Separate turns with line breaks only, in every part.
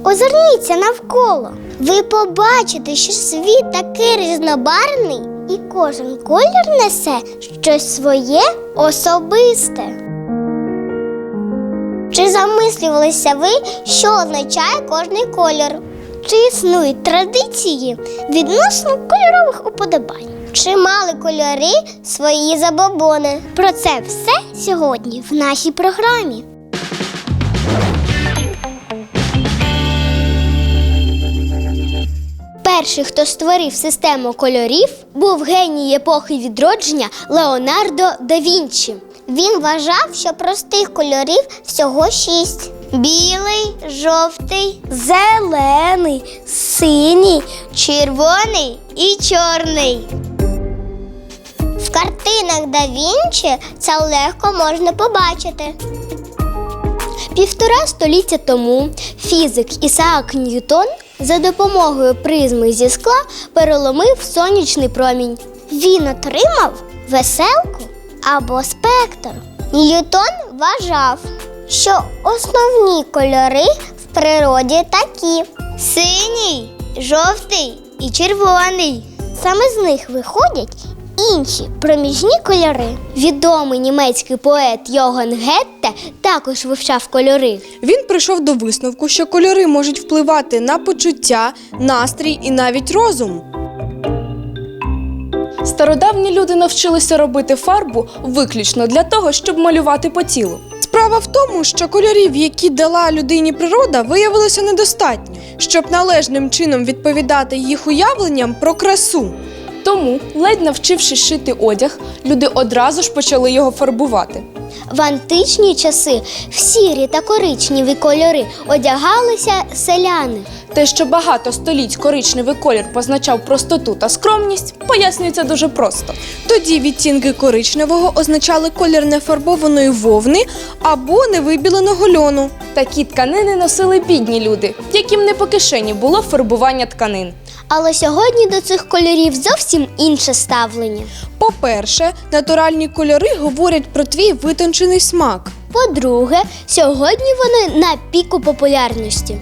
Озирніться навколо. Ви побачите, що світ такий різнобарвний, і кожен колір несе щось своє особисте. Чи замислювалися ви, що означає кожний колір? Чи існують традиції відносно кольорових уподобань? Чи мали кольори свої забобони? Про це все сьогодні в нашій програмі. Перший, хто створив систему кольорів, був геній епохи відродження Леонардо да Вінчі. Він вважав, що простих кольорів всього 6. Білий, жовтий, зелений, синій, червоний і чорний. В картинах да Вінчі це легко можна побачити. 1,5 століття тому фізик Ісаак Ньютон за допомогою призми зі скла переломив сонячний промінь. Він отримав веселку або спектр. Ньютон вважав, що основні кольори в природі такі: синій, жовтий і червоний. Саме з них виходять інші проміжні кольори. Відомий німецький поет Йоганн Гетте також вивчав кольори.
Він прийшов до висновку, що кольори можуть впливати на почуття, настрій і навіть розум.
Стародавні люди навчилися робити фарбу виключно для того, щоб малювати по тілу.
Справа в тому, що кольорів, які дала людині природа, виявилося недостатньо, щоб належним чином відповідати їх уявленням про красу.
Тому, ледь навчившись шити одяг, люди одразу ж почали його фарбувати.
В античні часи в сірі та коричневі кольори одягалися селяни.
Те, що багато століть коричневий колір позначав простоту та скромність, пояснюється дуже просто.
Тоді відтінки коричневого означали колір нефарбованої вовни або невибіленого льону.
Такі тканини носили бідні люди, яким не по кишені було фарбування тканин.
Але сьогодні до цих кольорів зовсім інше ставлення.
По-перше, натуральні кольори говорять про твій витончений смак.
По-друге, сьогодні вони на піку популярності.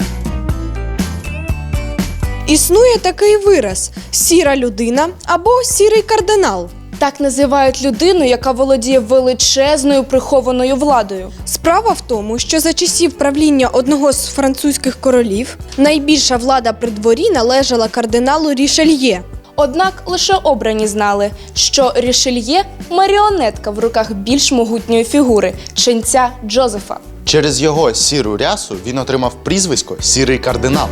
Існує такий вираз – сіра людина або сірий кардинал.
Так називають людину, яка володіє величезною прихованою владою.
Справа в тому, що за часів правління одного з французьких королів найбільша влада при дворі належала кардиналу Рішельє.
Однак лише обрані знали, що Рішельє – маріонетка в руках більш могутньої фігури – ченця Джозефа.
Через його сіру рясу він отримав прізвисько «Сірий кардинал».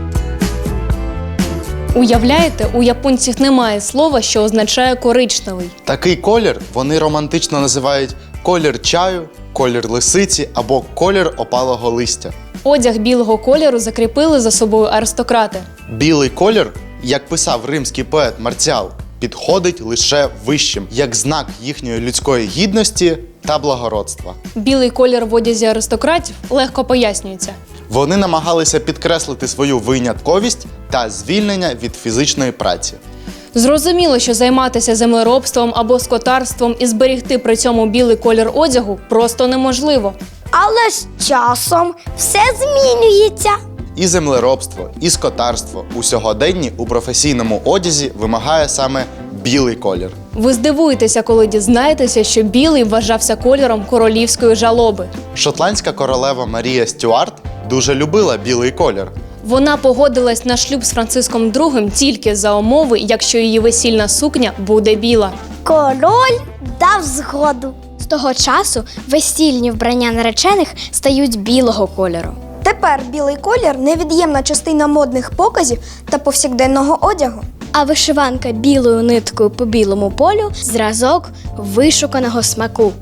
Уявляєте, у японців немає слова, що означає коричневий.
Такий колір вони романтично називають колір чаю, колір лисиці або колір опалого листя.
Одяг білого кольору закріпили за собою аристократи.
Білий колір, як писав римський поет Марціал, підходить лише вищим, як знак їхньої людської гідності та благородства.
Білий колір в одязі аристократів легко пояснюється.
Вони намагалися підкреслити свою винятковість та звільнення від фізичної праці.
Зрозуміло, що займатися землеробством або скотарством і зберігти при цьому білий колір одягу просто неможливо.
Але з часом все змінюється.
І землеробство, і скотарство у сьогоденні у професійному одязі вимагає саме білий колір.
Ви здивуєтеся, коли дізнаєтеся, що білий вважався кольором королівської жалоби.
Шотландська королева Марія Стюарт дуже любила білий колір.
Вона погодилась на шлюб з Франциском II тільки за умови, якщо її весільна сукня буде біла.
Король дав згоду. З того часу весільні вбрання наречених стають білого кольору.
Тепер білий колір – невід'ємна частина модних показів та повсякденного одягу.
А вишиванка білою ниткою по білому полю – зразок вишуканого смаку.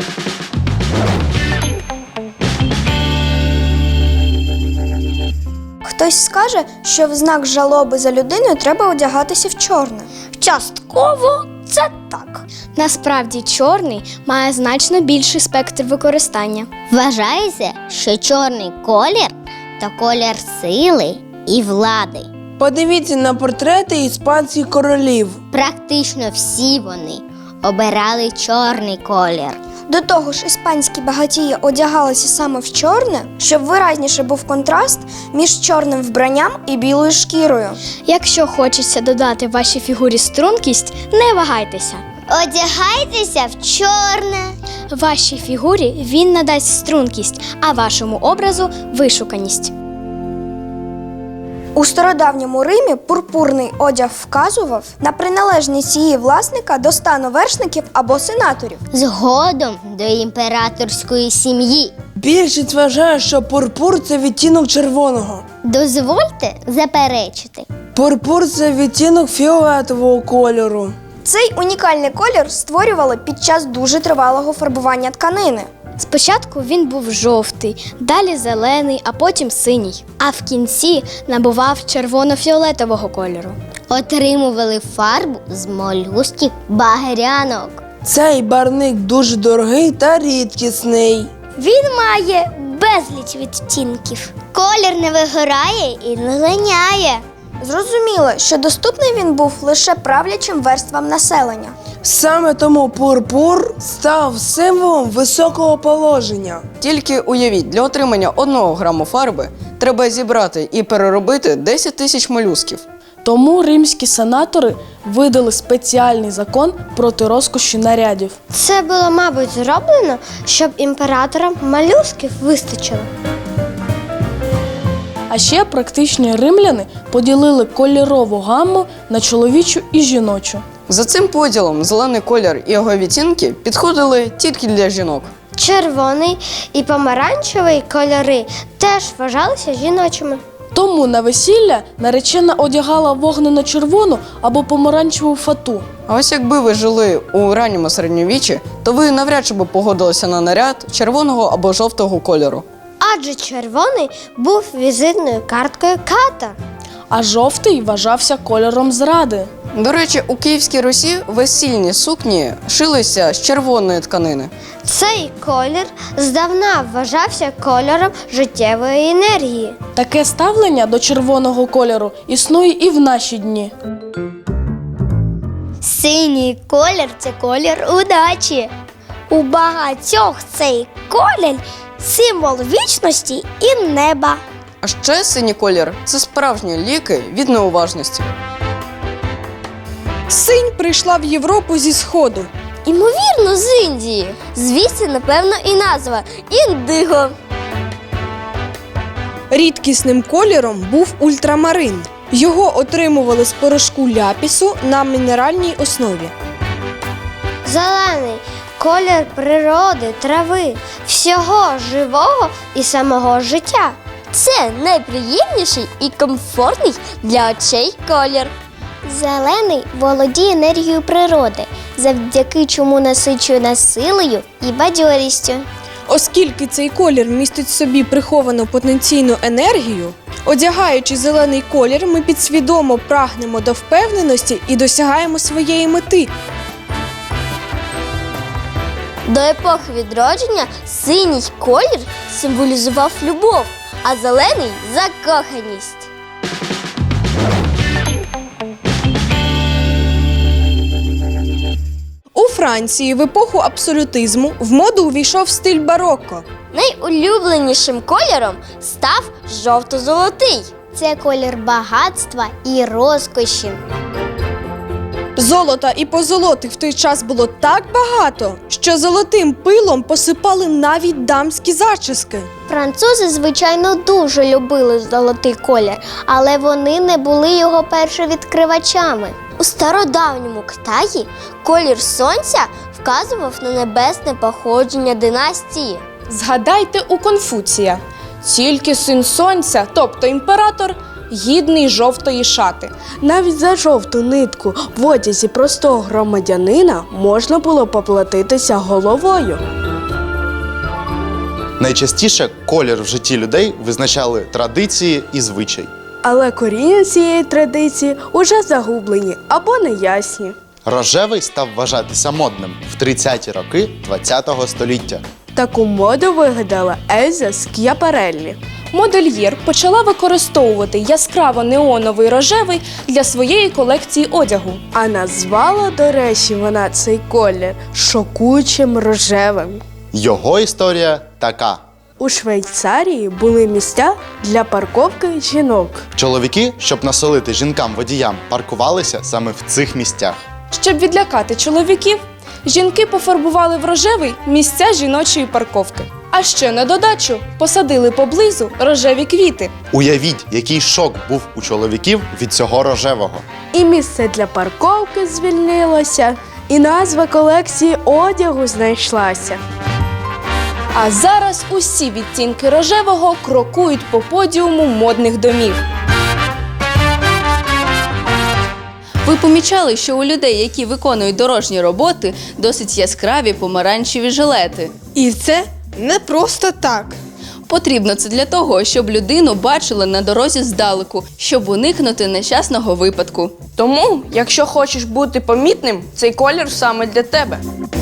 Хтось скаже, що в знак жалоби за людиною треба одягатися в чорне.
Частково це так. Насправді чорний має значно більший спектр використання. Вважається, що чорний колір – то колір сили і влади.
Подивіться на портрети іспанських королів.
Практично всі вони обирали чорний колір.
До того ж, іспанські багатії одягалися саме в чорне, щоб виразніше був контраст між чорним вбранням і білою шкірою.
Якщо хочеться додати вашій фігурі стрункість, не вагайтеся.
Одягайтеся в чорне.
Вашій фігурі він надасть стрункість, а вашому образу вишуканість.
У стародавньому Римі пурпурний одяг вказував на приналежність її власника до стану вершників або сенаторів.
Згодом до імператорської сім'ї.
Більшість вважає, що пурпур – це відтінок червоного.
Дозвольте заперечити.
Пурпур – це відтінок фіолетового кольору.
Цей унікальний колір створювали під час дуже тривалого фарбування тканини.
Спочатку він був жовтий, далі зелений, а потім синій. А в кінці набував червоно-фіолетового кольору.
Отримували фарбу з молюсків багрянок.
Цей барвник дуже дорогий та рідкісний.
Він має безліч відтінків. Колір не вигорає і не линяє.
Зрозуміло, що доступний він був лише правлячим верствам населення.
Саме тому пурпур став символом високого положення.
Тільки уявіть, для отримання 1 граму фарби треба зібрати і переробити 10 тисяч молюсків.
Тому римські сенатори видали спеціальний закон проти розкоші нарядів.
Це було, мабуть, зроблено, щоб імператорам молюсків вистачило.
А ще практичні римляни поділили кольорову гамму на чоловічу і жіночу.
За цим поділом зелений колір і його відтінки підходили тільки для жінок.
Червоний і помаранчевий кольори теж вважалися жіночими.
Тому на весілля наречена одягала вогнено-червону або помаранчеву фату.
А ось якби ви жили у ранньому середньовіччі, то ви навряд чи б погодилися на наряд червоного або жовтого кольору.
Адже червоний був візитною карткою ката.
А жовтий вважався кольором зради.
До речі, у Київській Русі весільні сукні шилися з червоної тканини.
Цей колір здавна вважався кольором життєвої енергії.
Таке ставлення до червоного кольору існує і в наші дні.
Синій колір – це колір удачі. У багатьох цей колір – символ вічності і неба.
А ще синій колір – це справжні ліки від неуважності.
Синь прийшла в Європу зі Сходу.
Імовірно, з Індії. Звідси, напевно, і назва – індиго.
Рідкісним кольором був ультрамарин. Його отримували з порошку ляпісу на мінеральній основі.
Зелений колір природи, трави, всього живого і самого життя.
Це найприємніший і комфортний для очей колір. Зелений володіє енергією природи, завдяки чому насичує нас силою і бадьорістю.
Оскільки цей колір містить в собі приховану потенційну енергію, одягаючи зелений колір, ми підсвідомо прагнемо до впевненості і досягаємо своєї мети.
До епохи відродження синій колір символізував любов, а зелений – закоханість.
У Франції в епоху абсолютизму в моду увійшов стиль барокко.
Найулюбленішим кольором став жовто-золотий. Це колір багатства і розкоші.
Золота і позолоти в той час було так багато, що золотим пилом посипали навіть дамські зачіски.
Французи, звичайно, дуже любили золотий колір, але вони не були його першовідкривачами. У стародавньому Китаї колір сонця вказував на небесне походження династії.
Згадайте у Конфуція. Тільки син сонця, тобто імператор, гідний жовтої шати.
Навіть за жовту нитку в одязі простого громадянина можна було поплатитися головою.
Найчастіше колір в житті людей визначали традиції і звичай.
Але коріння цієї традиції уже загублені або неясні.
Рожевий став вважатися модним в 30-ті роки ХХ століття.
Таку моду вигадала Ельза Ск'япареллі.
модельєр почала використовувати яскраво неоновий рожевий для своєї колекції одягу.
А назвала, до речі, вона цей колір шокуючим рожевим.
Його історія така.
У Швейцарії були місця для парковки жінок.
Чоловіки, щоб насолити жінкам-водіям, паркувалися саме в цих місцях.
Щоб відлякати чоловіків, жінки пофарбували в рожевий місця жіночої парковки. А ще на додачу посадили поблизу рожеві квіти.
Уявіть, який шок був у чоловіків від цього рожевого.
І місце для парковки звільнилося, і назва колекції одягу знайшлася.
А зараз усі відтінки рожевого крокують по подіуму модних домів.
Ви помічали, що у людей, які виконують дорожні роботи, досить яскраві помаранчеві жилети.
І це не просто так.
Потрібно це для того, щоб людину бачили на дорозі здалеку, щоб уникнути нещасного випадку.
Тому, якщо хочеш бути помітним, цей колір саме для тебе.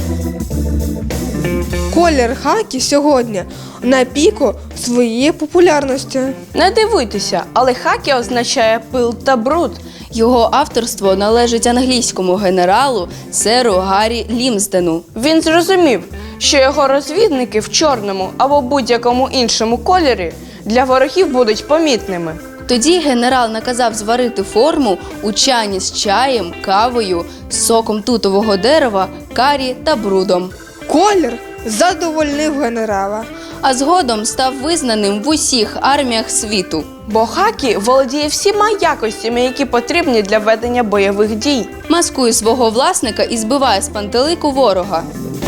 Колір хакі сьогодні на піку своєї популярності.
Не дивуйтеся, але хакі означає пил та бруд.
Його авторство належить англійському генералу серу Гаррі Лімсдену.
Він зрозумів, що його розвідники в чорному або будь-якому іншому кольорі для ворогів будуть помітними.
Тоді генерал наказав зварити форму у чані з чаєм, кавою, соком тутового дерева, карі та брудом.
Колір задовольнив генерала.
А згодом став визнаним в усіх арміях світу.
Бо хакі володіє всіма якостями, які потрібні для ведення бойових дій.
Маскує свого власника і збиває з пантелику ворога.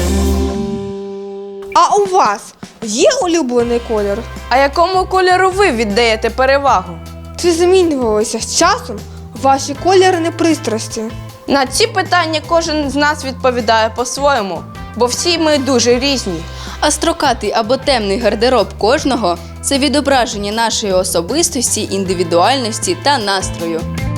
А у вас є улюблений колір?
А якому кольору ви віддаєте перевагу?
Чи змінювалися з часом ваші кольорні пристрасті?
На ці питання кожен з нас відповідає по-своєму, бо всі ми дуже різні.
А строкатий або темний гардероб кожного – це відображення нашої особистості, індивідуальності та настрою.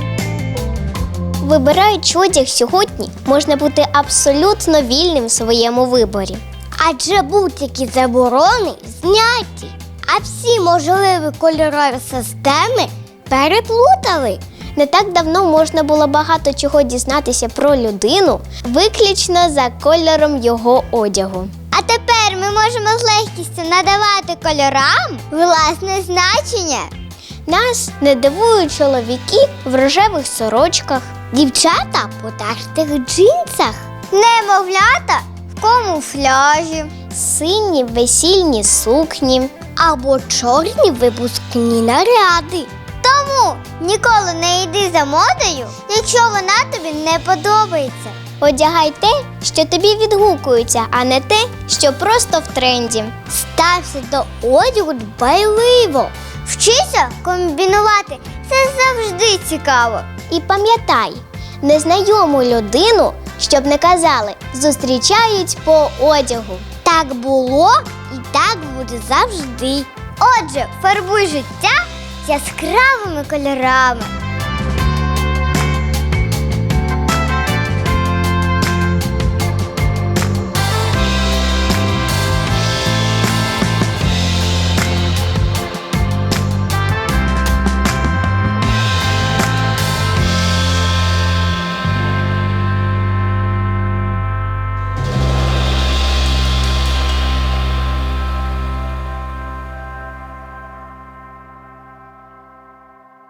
Вибираючи одяг сьогодні, можна бути абсолютно вільним в своєму виборі. Адже будь-які заборони зняті, а всі можливі кольорові системи переплутали. Не так давно можна було багато чого дізнатися про людину виключно за кольором його одягу. А тепер ми можемо з легкістю надавати кольорам власне значення. Нас не дивують чоловіки в рожевих сорочках, дівчата в потертих джинсах, немовлята в камуфляжі, сині весільні сукні або чорні випускні наряди. Тому ніколи не йди за модою, якщо вона тобі не подобається. Одягай те, що тобі відгукується, а не те, що просто в тренді. Стався до одягу дбайливо. Вчися комбінувати. Це завжди цікаво. І пам'ятай, незнайому людину, щоб не казали, зустрічають по одягу. Так було і так буде завжди. Отже, фарбуй життя яскравими кольорами.